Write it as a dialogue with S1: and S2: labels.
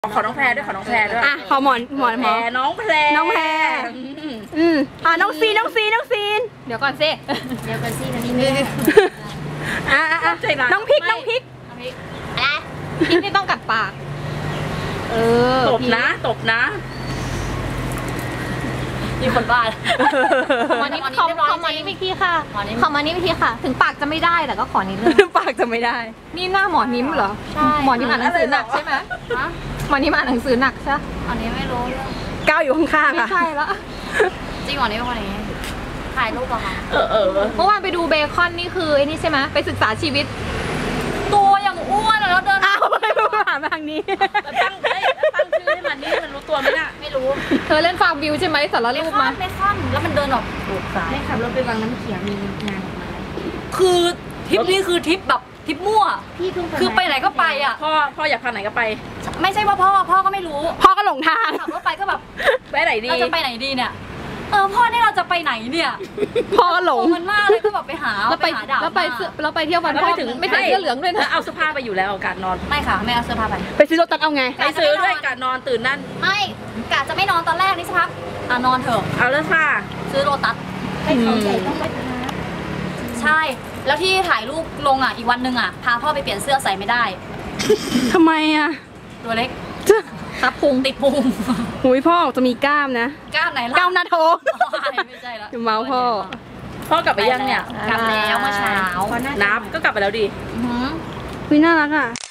S1: ขอน้องแพรด้วยขอน้องแพรด้วย
S2: อ่ะขอหมอน
S1: แพรน้องแพร
S2: น้องซีนเดี๋ยวก่อนสินะนี่น้องพริกอะไรพริกนี่ต้องกัดปาก
S1: ตบนะมีคนบ้า
S2: ขอมานี่วิธีค่ะถึงปากจะไม่ได้แต่ก็ขอนิดนึงปากจะไม่ได้นี่หน้าหมอนิ้มเหรอใช่หมอนิ้มอ่านหนังสือหนักใช่ไหมหมอนิ้มอ่านหนังสือหนักใช่
S3: อันนี้ไม่รู้เรื่อง
S2: ก้าวอยู่ข้างๆค่ะ
S3: ไม่ใช่แล้วจริงหมอนิ้มเป็นคนอย่างนี้ถ่ายรูปเหรอคะ
S2: เมื่อวานไปดูเบคอนนี่คือไอ้นี่ใช่ไหมไปศึกษาชีวิต
S3: ตัวอย่างอ้วนแล้วเดิน
S2: ไม่รู้หามาทางนี้
S1: ตั้งชื่อให้มันนี่มันรู้ตัวไหมน่ะ
S3: ไม่รู้
S2: เธอเล่นฟาร์มวิวใช่ไหมสารรูปมา
S3: ไม่ค่อนแล้วมันเดินออก
S1: ไม่ขับรถไปวังน้ำเขียวมีงานออกมา
S3: คือทริปนี้คือทริปแบบทริปมั่วคือไปไหนก็ไปอ่ะ
S1: พ่ออยากพาไหนก็ไป
S3: ไม่ใช่ว่าพ่อก็ไม่รู้
S2: พ่อก็หลงทาง
S3: ขับรถไปก็แบบ
S1: ไปไหนดี
S3: เราจะไปไหนดีเนี่ยพ่อเนี่ยเราจะไปไหนเนี่ย
S2: พ่อก็หลง
S3: มันมากเลยก็แบบไปหา
S2: แล้วไปเที่ยววันพ่อไม่ใส่เสื้อเหลืองด้วยนะ
S1: เอาเสื้อผ้าไปอยู่แล้วการนอน
S3: ไม่ค่ะไม่เอาเสื้อผ้า
S2: ไปซื้อรถตัดเอาไง
S1: ไปซื้อด้วยการนอนตื่นนั่น
S3: ไม่กะจะไม่นอนตอนแรกนี่สักพักนอนเถอะ
S1: เอาเสื้อผ้า
S3: ซื้อโรตัสให้เขาใหญ่ต้องไปใช่แล้วที่ถ่ายรูปลงอีกวันหนึ่งพาพ่อไปเปลี่ยนเสื้อใส่ไม่ได้
S2: ทำไม
S3: ตัวเล็ก
S2: ครับพุง
S3: ติดพุง
S2: หุยพ่อจะมีกล้ามนะ
S3: กล้ามไหนล่ะ
S2: กล้ามหน้าท้อง
S3: ไม่ใช่แล้ว
S2: เมา
S1: พ่อกลับไปยังเนี่ย
S3: กลับแล้วเมื่อเช้า
S1: นับก็กลับไปแล้วดิ
S2: น่ารักอ่ะ